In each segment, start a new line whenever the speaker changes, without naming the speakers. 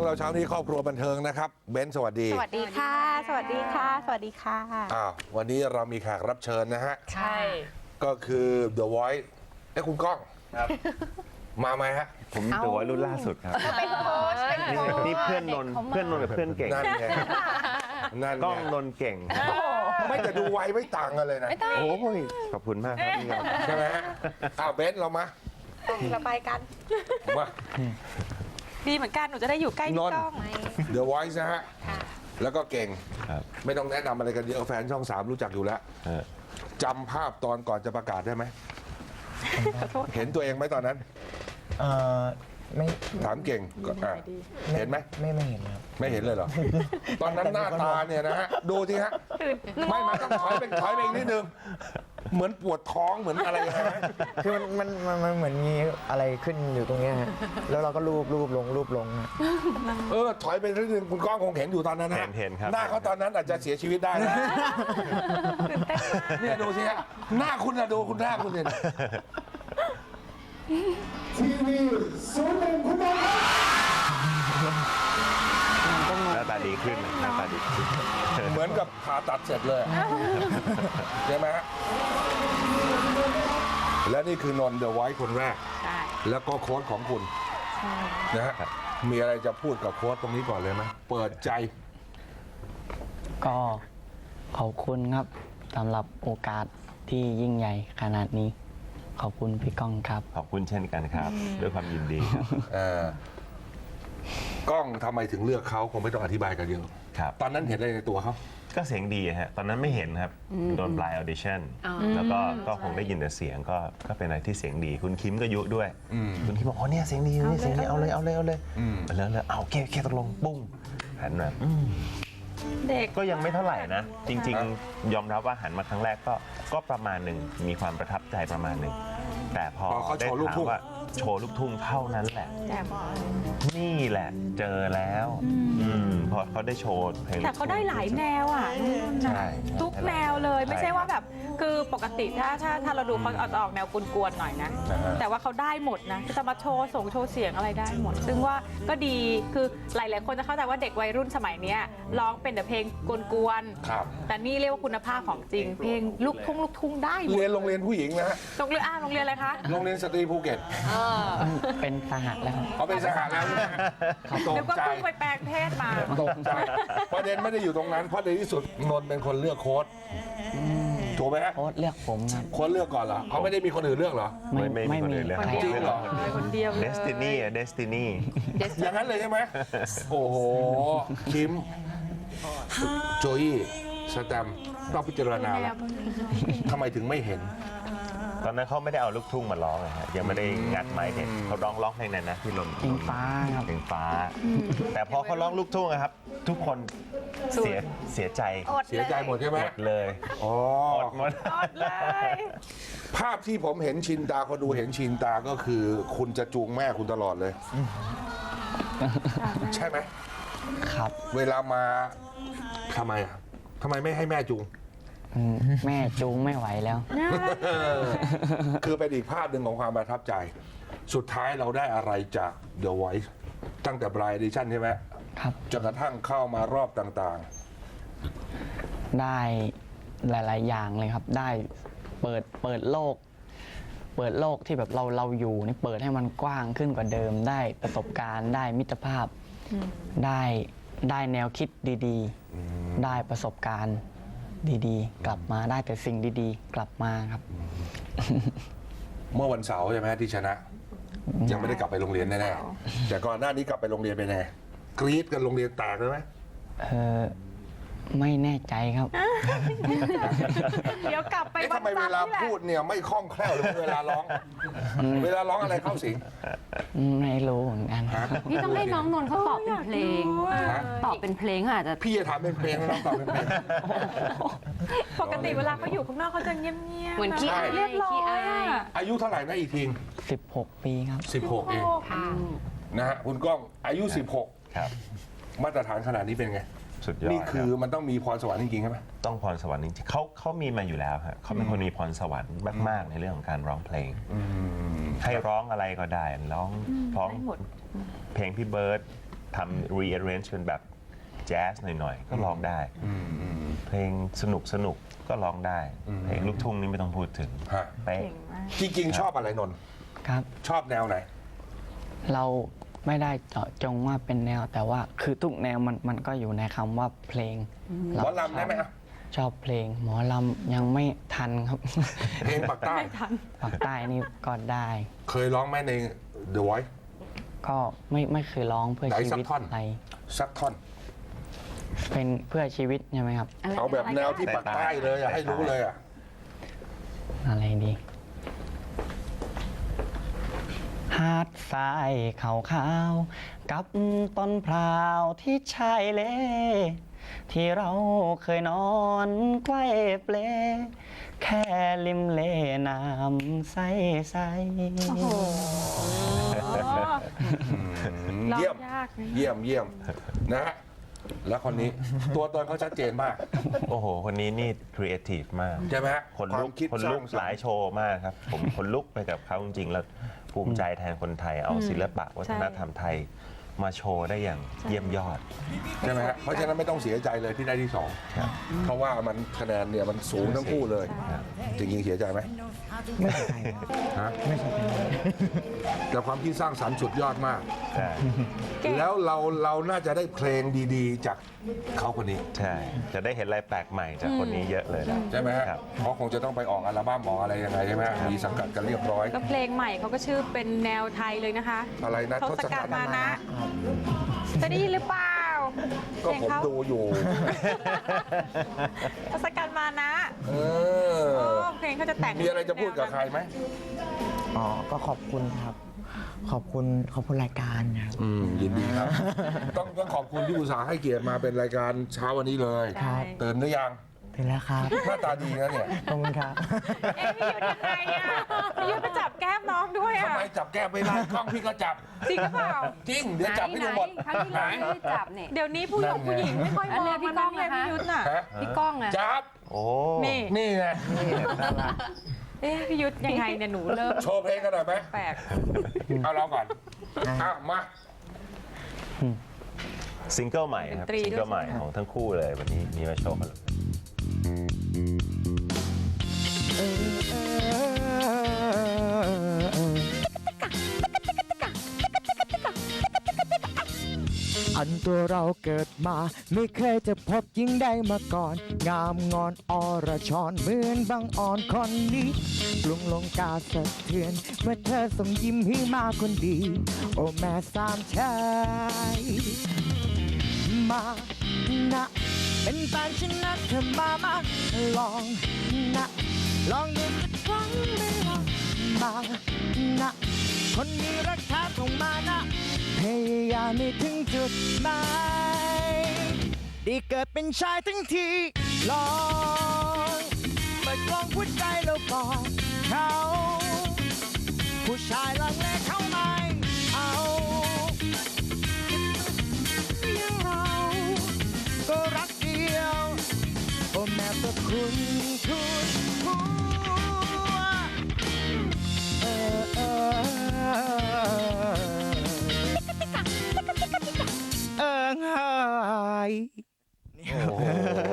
รื่องเราเช้านี้ครอบครัวบันเทิงนะครับเบนซ์สวัสดี
สวัสดีค่ะ สวัสดีค่ะ สวัสดีค่ะ
วันนี้เรามีแขกรับเชิญนะฮะ
ใช่
ก็คือ The Voice คุณก้อง
ครับ
มาไหมฮะ
ผม The Voice รุ่นล่าสุดครับ
เป็นโค้ช
นี่เพื่อนนนกับเพื่อนเก่ง
นั่นไงนั่น
ก้องนนเก่ง
ไม่แต่ดูไวไม่ต่างกันเลยนะ
โอ้ยขอบคุณมากครับพี่ครับ
ใช่ไหมฮะเบนซ์เรามา
เราไปกัน
มา
ดีเหมือนกันหนูจะได้อยู่ใกล้พี่ก้อง
The Voice นะฮะแล้วก็เก่ง
ครับ
ไม่ต้องแนะนำอะไรกันเยอะแฟนช่อง3รู้จักอยู่แล้วจำภาพตอนก่อนจะประกาศได้ไหมเห็นตัวเองไหมตอนนั้น
ไม่
ถามเก่งเห็นไหม
ไม่เห็นครับ
ไม่เห็นเลยเหรอ ตอนนั้นหน้าตาเนี่ยนะฮะดูสิฮะไม่มาต้องถอยไปอีกนิดนึงเหมือนปวดท้องเหมือนอะไรฮะ
คือมันเหมือนมีอะไรขึ้นอยู่ตรงเนี้ยฮะแล้วเราก็รูปลงฮะ
ถอยไปนิดนึงคุณก้องคงเห็นอยู่ตอนนั้นนะ
เห็นครับ
หน้าเขาตอนนั้นอาจจะเสียชีวิตได้นะเนี่ยดูสิฮะหน้าคุณนะดูคุณหน้าคุณเนี่ย
ทีวี01คุณบอล
หน้าตาดีขึ้นหน้าตาดีขึ้น
เหมือนกับผ่าตัดเสร็จเลยใช่ไหมฮะและนี่คือนนท์ The Voice คนแรกแล้วก็โค้ชของคุณนะฮะมีอะไรจะพูดกับโค้ชตรงนี้ก่อนเลยไหมเปิดใจ
ก็ขอบคุณครับสำหรับโอกาสที่ยิ่งใหญ่ขนาดนี้ขอบคุณพี่ก้องครับ
ขอบคุณเช่นกันครับด้วยความยินดีครับ
ก้องทำไมถึงเลือกเขาคงไม่ต้องอธิบายกันเยอะ
ครับ
ตอนนั้นเห็นอะไรในตัวเขา
ก็เสียงดีฮะตอนนั้นไม่เห็นครับโดนปลายออดิชั่นแล้วก็คงได้ยินแต่เสียงก็เป็นอะไรที่เสียงดีคุณคิมก็ยุด้วยคุณคิมบอกอ๋อเนี่ยเสียงดีนี่เสียงดีเอาเลยแล้วเอาโอเคตกลงปุ้งหันมา
เด็ก
ก็ยังไม่เท่าไหร่นะจริงๆยอมรับว่าหันมาครั้งแรกก็ประมาณหนึ่งมีความประทับใจประมาณหนึ่งแต่พอได้ถามว่าโชว์ลูกทุ่งเท่านั้นแหละนี่แหละเจอแล้วพอเขาได้โชว์เพลง
แต่เขาได้หลายแนวอ่ะทุกแนวเลยไม่ใช่ว่าแบบคือปกติถ้าเราดูเขาออกแนวกวนๆหน่อยนะแต่ว่าเขาได้หมดนะจะมาโชว์โชว์เสียงอะไรได้หมดซึ่งว่าก็ดีคือหลายๆคนจะเข้าใจว่าเด็กวัยรุ่นสมัยนี้ร้องเป็นแต่เพลงกวนๆแต่นี่เรียกว่าคุณภาพของจริงเพลงลูกทุ่งได้
เรียนโรงเรียนผู้หญิงนะฮะ
โรงเรียนอะไรคะ
โรงเรียนสตรีภูเก็ต
เป็นสหแล้ว
เขาเป็นสหแล้ว
ตกใจไปแปลงเพศมา
ตกใจประเด็นไม่ได้อยู่ตรงนั้นเพราะในที่สุดนนท์เป็นคนเลือกโค้ชถูกไหมฮะ
โค้ชเลือกผมครับ
โค้ชเลือกก่อนเหรอเขาไม่ได้มีคนอื่นเลือกเหรอ
ไม่มีคนอื่นเลือก
จริงเหรอ
คนเดียวเลย
Destiny
อย่างนั้นเลยใช่ไหมโอ้โหคิมโจยี่สแตมต้องพิจารณาแล้วทำไมถึงไม่เห็น
ตอนนั้นเขาไม่ได้เอาลูกทุ่งมาร้องเลยฮะยังไม่ได้งัดไม้เด็กเขาร้องเพลงนั้นนะที่ลม
เพลงฟ้าครับ
เพลงฟ้าแต่พอเขาร้องลูกทุ่งครับทุกคนเสียใจ
หมดใช่ไหม
หมดเลย
อดเลยภาพที่ผมเห็นชินตาเขาดูเห็นชินตาก็คือคุณจะจูงแม่คุณตลอดเลยใช่ไหม
ครับ
เวลามาทำไมไม่ให้แม่จูง
แม่จูงไม่ไหวแล้ว
คือเป็นอีกภาพหนึ่งของความประทับใจสุดท้ายเราได้อะไรจาก The Voice ตั้งแต่ Blind Edition ใช่ไหม
ครับ
จนกระทั่งเข้ามารอบต่าง
ๆได้หลายๆอย่างเลยครับได้เปิดโลกที่แบบเราอยู่นี่เปิดให้มันกว้างขึ้นกว่าเดิมได้ประสบการณ์ได้มิตรภาพได้แนวคิดดีๆได้ประสบการณ์ดีๆกลับมาได้แต่สิ่งดีๆกลับมาครับ
เมื่อวันเสาร์ใช่ไหมที่ชนะยังไม่ได้กลับไปโรงเรียนแน่ๆแต่ก่อนหน้านี้กลับไปโรงเรียนไปแน่กรี๊ดกันโรงเรียนแตกเลยไหม
ไม่แน่ใจครับ
เดี๋ยวกลับไป
ทำไมเวลาพูดเนี่ยไม่คล่องแคล่วเลยเวลาร้องอะไรเข้าสิง
ไม่รู้เหมือนกัน
พี่ต้องให้น้องนนท์เขาตอบเป็นเพลงตอบเป็นเพลงอาจจะ
พี่จะถามเป็นเพลงแล้วน้องตอบเป็นเพลง
ปกติเวลาเขาอยู่ข้างนอกเขาจะเงียบๆ
เหมือนขี้อาย
เรียบร้อย
อายุเท่าไหร่นะอีกที
16 ปีครับ
16เองนะฮะคุณก้องอายุ16
ครับ
มาตรฐานขนาดนี้เป็นไง
สุดยอด
นี่คือมันต้องมีพรสวรรค์จริงๆใช่ไหม
ต้องพรสวรรค์จริงๆเขามีมาอยู่แล้วครับเขาเป็นคนมีพรสวรรค์มากๆในเรื่องของการร้องเพลงให้ร้องอะไรก็ได้ร้องเพลงพี่เบิร์ดทำ rearrange เป็นแบบแจ๊สหน่อยๆ ก็ร้องได้ เพลงสนุกก็ร้องได้ เพลงลูกทุ่งนี่ไม่ต้องพูดถึง
ฮะ
เป๊ะ
เก่งมาก
จริงๆชอบอะไรนนท์
ครับ
ชอบแนวไหน
เราไม่ได้เจาะจงว่าเป็นแนว แต่ว่าคือทุกแนวมันก็อยู่ในคำว่าเพลง
หมอลำได้ไหมอ่ะ
ชอบเพลง หมอลำยังไม่ทันครับ
เพลงปากใต้
ไม่ทัน
ปากใต้นี่ก็ได้
เคยร้องไหมใน The Voice
ก็ไม่เคยร้องเพื่อ
ไหน
ชี
สัก
วิต
ท่อน
อะไร
สักท่อน
เป็นเพื่อชีวิตใช่ไหมครับ
เอาแบบแนวที่ปากใต้เลยอ่ะให้รู้เลยอ่ะ
อะไรดี หาดทรายขาวๆกับต้นพร้าวที่ชายเล ที่เราเคยนอนไกว้เปล แค่ริมเลน้ำใส
โอ้โหร้อง
เยี่ยม
ยากนะ
เยี่ยมนะฮะแล้วคนนี้ ตัวตนเขาชัดเจนมาก
โอ้โห คนนี้นี่ครีเอทีฟมาก
ใช่ไหมฮะ
คนลุก
วามคิด
คน
สร้า
ลุ
ง
ก
สรรค์
หลายโชว์มากครับ ผมคนลุกไปกับเขาจริงๆ แล้วภูมิใจแทนคนไทยเอาศิลปะวัฒนธรรมไทยมาโชว์ได้อย่างเยี่ยมยอด
ใช่ไหมฮะเพราะฉะนั้นไม่ต้องเสียใจเลยที่ได้ที่สองเพราะว่ามันคะแนนเนี่ยมันสูงทั้งคู่เลย จริงๆเสียใจไหม
ไม่ใช่ครับ
ฮะ
ไม่ใช่ครับ
แต่ความคิดสร้างสรรค์สุดยอดมาก
ใช่
แล้วเราน่าจะได้เพลงดีๆ จากเขาคนนี้
ใช่ จะได้เห็นอะไรแปลกใหม่จากคนนี้เยอะเลยนะ
ใช่ไหมฮะ
ครับ
เพราะคงจะต้องไปออกอัลบั้มออกอะไรยังไงใช่ไหมฮะมีสังกัดกันเรียบร้อย
ก็เพลงใหม่เขาก็ชื่อเป็นแนวไทยเลยนะคะ
อะไรนะ
ทศกัณฐ์มานะ
ครับ
จะได้ยินหรือเปล่า
ก็
เพลง
ผม
เขา
ดูอยู่
ทศกัณฐ์มานะ
เอ
โอ้
อ
เพลงเขาจะแต่ง
มีอะไรจะพูดกับใครไหม
อ๋อ ก็ขอบคุณครับ ขอบคุณรายการครับ
ยินดีครับ ต้องขอบคุณที่อุตส่าห์ให้เกียรติมาเป็นรายการเช้าวันนี้เลย
ครับ
ตื่นหรือยัง
ถึงแล้วครับ
หน้าตาดีนะเนี่ย
ขอบคุณครับ
เอ๊ะพี่ยุทธยังไงอ่ะพี่ยุทธไปจับแก้มน้องด้วย
ทำ
อ่ะ
ไมจับแก้มไม่ได้กล้องพี่ก็จับ
จริงหรือเปล่า
จริง เดี๋ยวจับให้ดูหมด
ครั้งที่แล้วไม่ได้จับเนี่ย
เดี๋ยวนี้ผู้หญิงผู้หญิงไม่ค่อยมอง
อันเนี้ยพี่
มัน
ก้อง
เลย
นะคะ
พี่ยุทธน่ะ
ฮะ
พี่ก้องอะ
จับ
โอ้
นี่
นี่ไง
เอ๊ะพี่ยุทธยังไงเนี่ยหนูเริ่ม
โชว์เพลงกันหน่อยไหม
แปลก
เอาเราก่อนอ่ะมา
ซิงเกิลใหม่ครับ
ดนตรีด้วย
ซิงเกิลใหม่ของทั้งคู่เลยวันนี้มีมาโชว์กันเลย
อันตัวเราเกิดมาไม่เคยจะพบยิ่งได้มาก่อน งามงอนอรชรเหมือนบางอ่อนคนนี้กรุงลงกาสะเทือน เมื่อเธอส่งยิ้มให้มาคนดี โอ้แม่สามชายมานะเป็นแฟนฉันนะเธอมาลองนะลองดูสักครั้งไม่ลองมานะคนมีรักแท้ต้องมานะพยายามให้ถึงจุดหมายได้เกิดเป็นชายทั้งทีลองเปิดกล้องหัวใจแล้วบอกเขาผู้ชายลังเลเขาไม่เอาอย่างเราก็รักเดียวโอ้แม้แต่คุณทุกหัวไห้
โอ้โห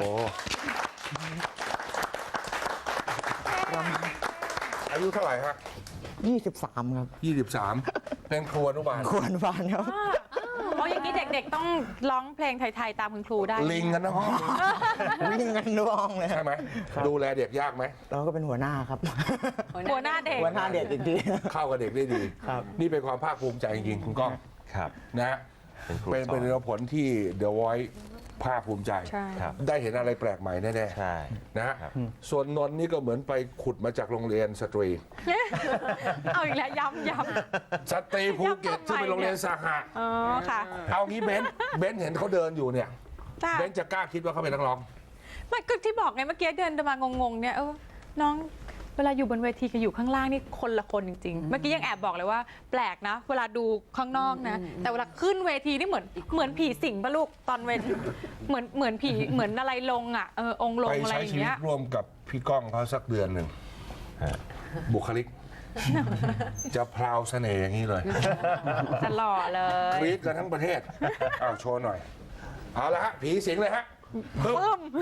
อายุเท่าไหร่ฮะ
23 ครับ
23 เป็นครัวอนุบาล
ควรฟันครับ
อ๋ออย่างนี้เด็กๆต้องร้องเพลงไทยๆตามคุณครูได้
ลิงกันนะห้อง
วิ่งกันร้องเลย
ใช่ไหมดูแลเด็กยากไหม
เราก็เป็นหัวหน้าครับ
หัวหน้าเด็ก
หัวหน้าเด็กอีกที
เข้ากับเด็กได้ดี
ครับ
นี่เป็นความภาคภูมิใจจริงๆคุณก้อง
ครับ
นะ
เป็นครู
เป็น
สอน
ผลที่ The Voice ภาคภูมิใจ
ใช่
ครับ
ได้เห็นอะไรแปลกใหม่แน่
ใช่
ๆนะฮะ
ครับ
ส่วนนนท์นี่ก็เหมือนไปขุดมาจากโรงเรียนสตรี
เอาอีกแล้วย้ำ
สตรีภูเก็ตที่เป็นโรงเรียนสหะ
ๆอ๋อค่ะ
เอางี้เบนซ์เห็นเขาเดินอยู่เนี่ย
จ้า
เบนซ์จะกล้าคิดว่าเขาเป็นนักร้อง
ไม่ก็ที่บอกไงเมื่อกี้เดินมางงๆเนี่ยน้องเวลาอยู่บนเวทีกับอยู่ข้างล่างนี่คนละคนจริงๆ เมื่อกี้ยังแอบบอกเลยว่าแปลกนะ เวลาดูข้างนอกนะ แต่เวลาขึ้นเวทีนี่เหมือนผีสิงปะลูกตอนเวทเหมือนผีเหมือนอะไรลงอ่ะองค์ลง
ไป
อะไร
ใช้
อย่า
ชี
ง
วิต
เงี้ย
ร่วมกับพี่ก้องเขาสักเดือนหนึ่ง
ฮะ
บุคลิกจะพราวเสน่ห์อย่างนี้เลย
จะหล่อเล
ก
ย
รี๊ดกันทั้งประเทศเอาโชว์หน่อย เอาละฮะ ผีสิงเลยฮะปึ๊บ
ปึ้ม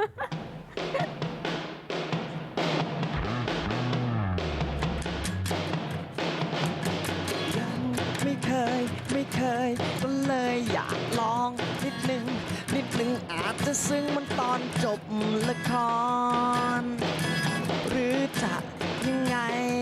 ไม่เคยก็เลยอยากลองนิดนึงอาจจะซึ้งมันตอนจบละคร หรือจะยังไง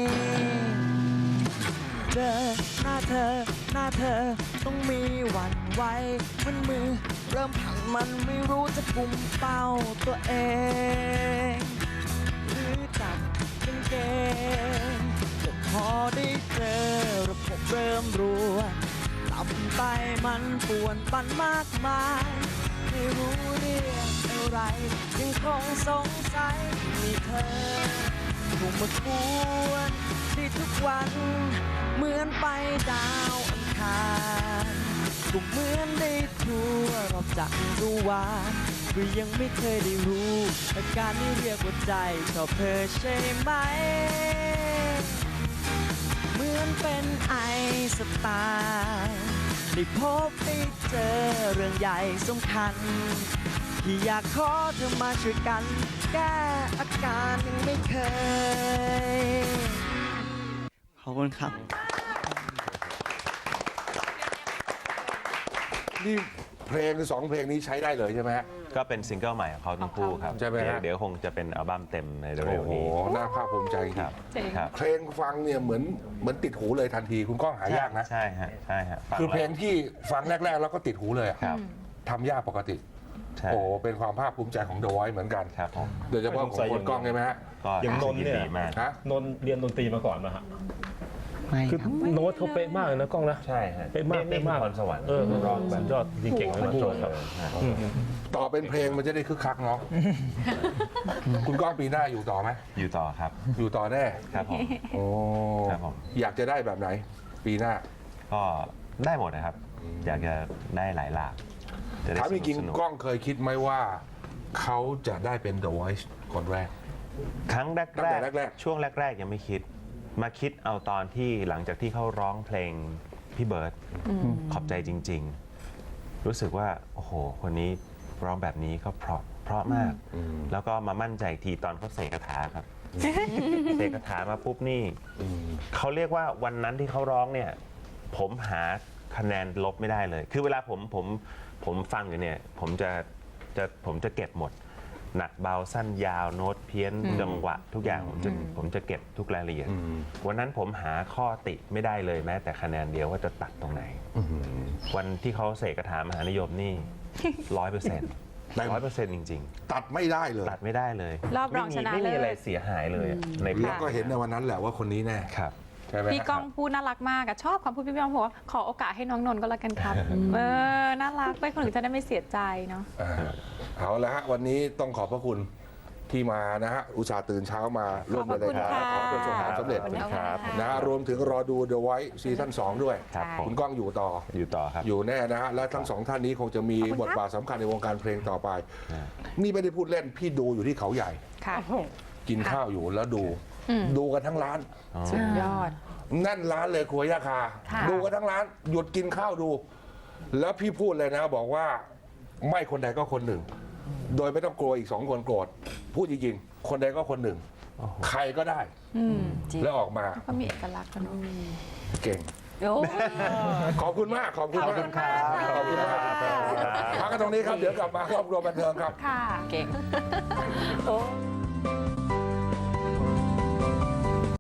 เจอหน้าเธอต้องมีหวั่นไหวมันมือเริ่มผันมันไม่รู้จะกุมเป้าตัวเอง หรือจับกางเกงแต่พอได้เจอระบบเริ่มรัวตับไตมันป่วนปันมากมายไม่รู้เรื่องอะไรยังคงสงสัยมีเธอถูกมากวนที่ทุกวันเหมือนไปดาวอังคารก็เหมือนได้ทั่วรอบจักรวาลก็ยังไม่เคยได้รู้อาการที่เรียกว่าใจชอบเธอใช่ไหม เหมือนเป็นไอสไตล์ได้พบได้เจอเรื่องใหญ่สำคัญ ที่อยากขอเธอมาช่วยกัน แก้อาการยังไม่เคย ขอบคุณครับ
นี่เพลงสองเพลงนี้ใช้ได้เลยใช่ไหมฮะ
ก็เป็นซิงเกิลใหม่ของเขาทั้งคู่ครับ
ใช่ไหมฮะ
เดี๋ยวคงจะเป็นอัลบั้มเต็มในเร็
โอ้
ว
โห
ๆนี้
น่าภาคภูมิใจจริง
ครับ
จริง
ครับ
เพลงฟังเนี่ยเหมือนติดหูเลยทันที คุณก้องหายากนะ
ใช่ฮะใช่ฮะฟัง
คือเพลง
แล้ว
ที่ฟังแรก ๆ แล้วก็ติดหูเลยอะ
ครับ
ทำยากปกติ
ใช่
โอ้โหเป็นความภาคภูมิใจของ The Voice เหมือนกัน
ครับผม
โดยเฉพาะของคนกล้องใช่ไหมฮะ
ก็
อย่างนนท์เนี่ย
ดีมาก
ฮะ
นนท์เรียนดนตรีมาก่อนมาฮะ
ไม่
คือ
ครับ
โน้ตเขาเป๊ะมากเลยนะกล้องนะ
ใช่ฮะ
เป๊ะมาก
นี่
เป๊ะมาก
คือพรสวรรค์
ร้องแบบยอดจริงเก่งเลยนะโจทย์ครับ
ต่อเป็นเพลงมันจะได้คึกคักเนาะ คุณก้องปีหน้าอยู่ต่อไหม
อยู่ต่อครับ
อยู่ต่อแน่
ครับผม
โอ้
ครับผม
อยากจะได้แบบไหน ปีหน้า
ก็ได้หมดนะครับ อยากจะได้หลายหลากจะได้
ถามจริง
สนุก
ๆกล้องเคยคิดไหมว่า เขาจะได้เป็น The Voice คนแรก
ครั้ง
ตั้งแต่แรกๆ
ช่วงแรก ๆ ยังไม่คิด มาคิดเอาตอนที่หลังจากที่เขาร้องเพลงพี่เบิร์ตขอบใจจริง ๆ รู้สึกว่า โอ้โห คนนี้ร้องแบบนี้ก็เพราะมาก แล้วก็มามั่นใจอีกทีตอนเขาเสกคาถาครับ เสกคาถามาปุ๊บนี่เขาเรียกว่าวันนั้นที่เขาร้องเนี่ย ผมหาคะแนนลบไม่ได้เลย คือเวลาผมฟังอยู่เนี่ย ผมจะเก็บหมด หนักเบาสั้นยาวโน้ตเพี้ยนจังหวะทุกอย่างผมจะเก็บทุกรายละเอียด วันนั้นผมหาข้อติไม่ได้เลยแม้แต่คะแนนเดียวว่าจะตัดตรงไหน วันที่เขาเสกคาถามหานิยมนี่ 100% จริง
ตัดไม่ได้เลย
ๆ ตัดไม่ได้เลย
รอบรองชนะ
ไม่มี
เลิศ
อะไรเสียหายเลยอะใน
แล้วก็เห็นในวันนั้นแหละว่าคนนี้แน่
ครับ
ใช่ไหม
พี่ก้องพูดน่ารักมากอะชอบคำพูดพี่ก้องบอกว่าขอโอกาสให้น้องนนท์ก็แล้วกันครับ น่ารักไปคนอื่นจะได้ไม่เสียใจเนาะ
เอาละฮะ วันนี้ต้องขอบพระคุณที่มานะฮะ อุตส่าห์ตื่นเช้ามาร่วมในรายการ
ขอบคุณค่ะ
ขอประสบความสำเร็จ
ขอบคุณครับ
นะฮะรวมถึงรอดู The Voice ซีซั่น2 ด้วย
ครับผม
คุณก้องอยู่ต่อ
อยู่ต่อครับ
อยู่แน่นะฮะ และทั้งสองท่านนี้คงจะมีบทบาทสำคัญในวงการเพลงต่อไป นี่ไม่ได้พูดเล่น พี่ดูอยู่ที่เขาใหญ่
ค่ะ
กินข้าวอยู่แล้วดูกันทั้งร้าน
สุดยอด
แน่นร้านเลยครัวยาคา
ค่ะ
ดูกันทั้งร้าน หยุดกินข้าวดู แล้วพี่พูดเลยนะบอกว่าไม่คนใดก็คนหนึ่ง โดยไม่ต้องกลัวอีก2 คนโกรธพูดจริงๆ คนใดก็คนหนึ่ง ใครก็ได้ แล้วออกมา
ก็มีเอกลักษณ์กันเนอะ
เก่ง
โอ้
ขอบคุณมาก ขอบคุณมาก
ขอบคุณครับ
ขอบคุณมากพักกันตรงนี้ครับ เดี๋ยวกลับมาครอบครัวบันเทิงครับ
ค่ะ เก่ง